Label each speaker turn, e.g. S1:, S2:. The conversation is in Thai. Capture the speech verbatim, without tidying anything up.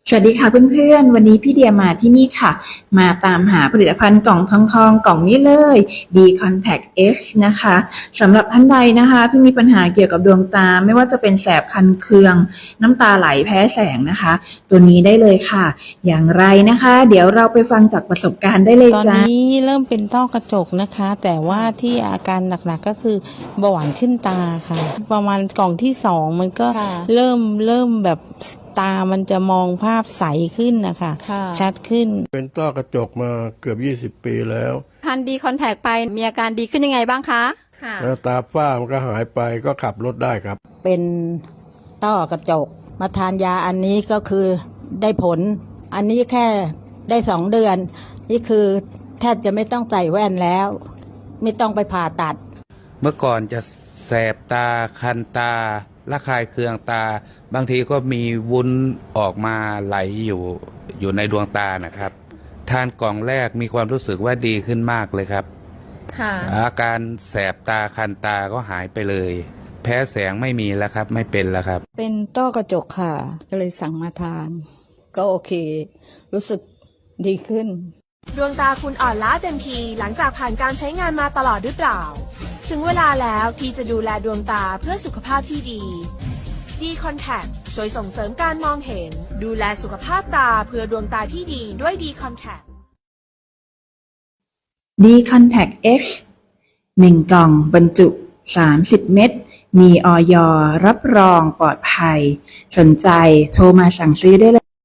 S1: สวัสดีค่ะเพื่อนๆวันนี้พี่เดียมาที่นี่ค่ะมาตามหาผลิตภัณฑ์กล่องทองทองกล่องนี้เลย D Contact X นะคะสำหรับท่านใดนะคะที่มีปัญหาเกี่ยวกับดวงตาไม่ว่าจะเป็นแสบคันเคืองน้ำตาไหลแพ้แสงนะคะตัวนี้ได้เลยค่ะอย่างไรนะคะเดี๋ยวเราไปฟังจากประสบการณ์ได้เลย
S2: ตอน
S1: จ้า
S2: นี้เริ่มเป็นต้อกระจกนะคะ แต่ว่าที่อาการหนักๆก็คือเบาหวานขึ้นตาค่ะ ประมาณกล่องที่สองมันก็
S3: ค่ะ
S2: เริ่มเริ่มแบบตามันจะมองภาพใสขึ้นนะคะ
S3: ค่ะ
S2: ชัดขึ้น
S4: เป็นต้อกระจกมาเกือบยี่สิบปีแล้ว
S3: ทานดีคอนแทคไปมีอาการดีขึ้นยังไงบ้างคะค่ะ
S4: แล้วตาฝ้ามันก็หายไปก็ขับรถได้ครับ
S5: เป็นต้อกระจกมาทานยาอันนี้ก็คือได้ผล อันนี้แค่ได้สองเดือน นี่คือแทบจะไม่ต้องใส่แว่นแล้ว ไม่ต้องไปผ่าตัด
S6: เมื่อก่อนจะแสบตาคันตาระคายเคืองตา บางทีก็มีวุ้นออกมาไหลอยู่อยู่ในดวงตานะครับ ทานกล่องแรกมีความรู้สึกว่าดีขึ้นมากเลยครับ
S3: ค่ะ
S6: อาการแสบตาคันตาก็หายไปเลย แพ้แสงไม่มีแล้วครับไม่เป็นแล้วครับ
S7: เป็นต้อกระจกค่ะ ก็เลยสั่งมาทาน ก็โอเค รู้สึกดีขึ้น
S8: ดวงตาคุณอ่อนล้าเต็มทีหลังจากผ่านการใช้งานมาตลอดหรือเปล่า ถึงเวลาแล้วที่จะดูแลดวงตาเพื่อสุขภาพที่ดี D Contact ช่วยส่งเสริมการมองเห็น ดูแลสุขภาพตาเพื่อดวงตาที่ดีด้วย D Contact
S1: D Contact X หนึ่งกล่องบรรจุสามสิบเม็ดมีอยรับรองปลอดภัยสนใจโทรมาสั่งซื้อได้เลย